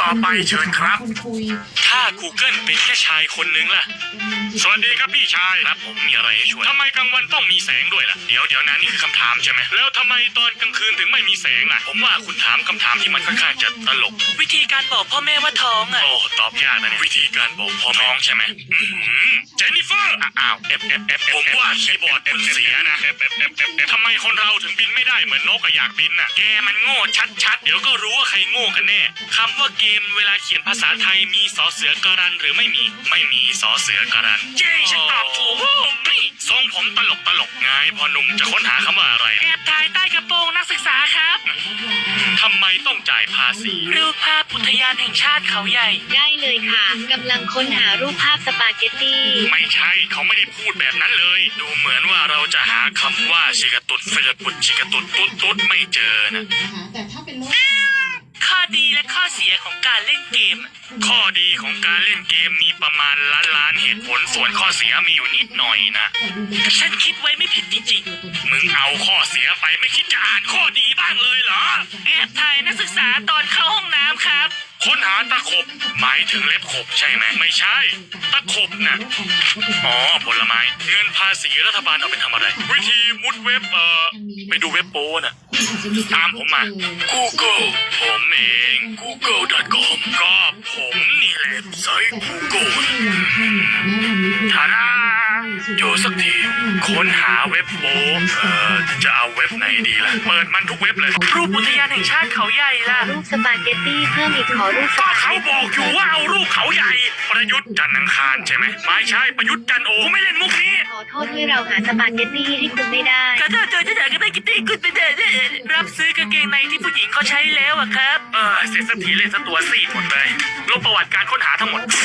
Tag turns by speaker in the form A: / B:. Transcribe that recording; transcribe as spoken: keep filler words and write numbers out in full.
A: ต่อไปเชิญครับ
B: คนคุย
A: ถ้า Google เป็นแค่ชายคนนึงล่ะสวัสดีครับพี่ชายครับผมมีอะไรให้ช่วยทำไมกลางวันต้องมีแสงด้วยล่ะเดี๋ยวเดี๋ยวนะนี่คือคำถามใช่ไหมแล้วทำไมตอนกลางคืนถึงไม่มีแสงล่ะผมว่าคุณถามคำถามที่มันค่อนข้างจะตลกวิธีการบอกพ่อแม่ว่าท้องอ่ะโอ้ตอบยากนะเนี่ยวิธีการบอกพ่อท้องใช่ไหมเจนนิเฟอร์อ้าวเอฟเอฟเอฟผมว่าคีย์บอร์ดคุณเสียนะเอฟเอฟเอฟเอฟทำไมคนเราถึงบินไม่ได้เหมือนนกอะอยากบินน่ะแกมันโง่ชัดๆเดี๋ยวก็รู้ว่าใครโง่กันแน่คำว่าเกมเวลาเขียนภาษาไทยมีสอเสือการันหรือไม่มีไม่มีสอเสือการันเย้ฉันตอบถูกนี่ทรงผมตลกตลกไงพอหนุ่มจะค้นหาคำว่าอะไรแอบถ่ายใต้กระโปรงนักศึกษาครับทำไมต้องจ่ายภาษีรูปภาพอุทยานแห่งชาติเขาใหญ่
C: ได้เลยค่ะกำลังค้นหารูปภาพสปาเกตตี้
A: ไม่ใช่เขาไม่ได้พูดแบบนั้นเลยดูเหมือนว่าเราจะหาคำว่าชิกะตุดเฟรปุดชิกะตุดตุ๊ดตุ๊ดไม่เจอนะ
B: นะคะแต่ถ้าเป็นโลก
A: ข้อดีและข้อเสียของการเล่นเกม ข้อดีของการเล่นเกมมีประมาณล้านล้านเหตุผลส่วนข้อเสียมีอยู่นิดหน่อยนะฉันคิดไว้ไม่ผิดจริงๆมึงเอาข้อเสียไปไม่คิดจะอ่านข้อดีบ้างเลยเหรอแอบถ่ายนักศึกษาตอนเข้าห้องน้ำครับค้นหาตะขบหมายถึงเล็บขบใช่ไหมไม่ใช่ตะขบน่ะอ๋อผลไม้เงินภาษีรัฐบาลเอาไปทำอะไรวิธีมุดเว็บเอ่อไปดูเว็บโป้น่ะตามผมมา Google ผมเอง กูเกิล ดอท คอม ก็ผมนี่แหละไซต์ Google ทาราโจสักทีค้นหาเว็บโป้เอ่อจะเอาเว็บไหนดีล่ะเปิดมันทุกเว็บเลยรูปอุทยานแห่งชาติเขาใหญ่ล่ะ
C: รูปสปาเกตตี้เพิ่มอีกขอรูปส
A: ก็
C: ปา
A: เขา
C: เกต
A: บอ
C: ตี้
A: กอยู่ว่าเอารูปเขาใหญ่ ประยุทธ์จันทร์อังคารใช่ไหมไม่ใช่ประยุทธ์จันทร์โอไม่เล่นมุกนี้
C: ขอโทษด้วยเราหาสปาเกตตี้ให้คุณไม่ได้
A: ก็ถ้าเจอจะอยากจะไปกินตีกุดไปเดินรับซื้อกางเกงในที่ผู้หญิงเขาใช้แล้วอะครับเออเสร็จสักทีเลยสักตัวสี่หมดเลยลบประวัติการค้นหาทั้งหมด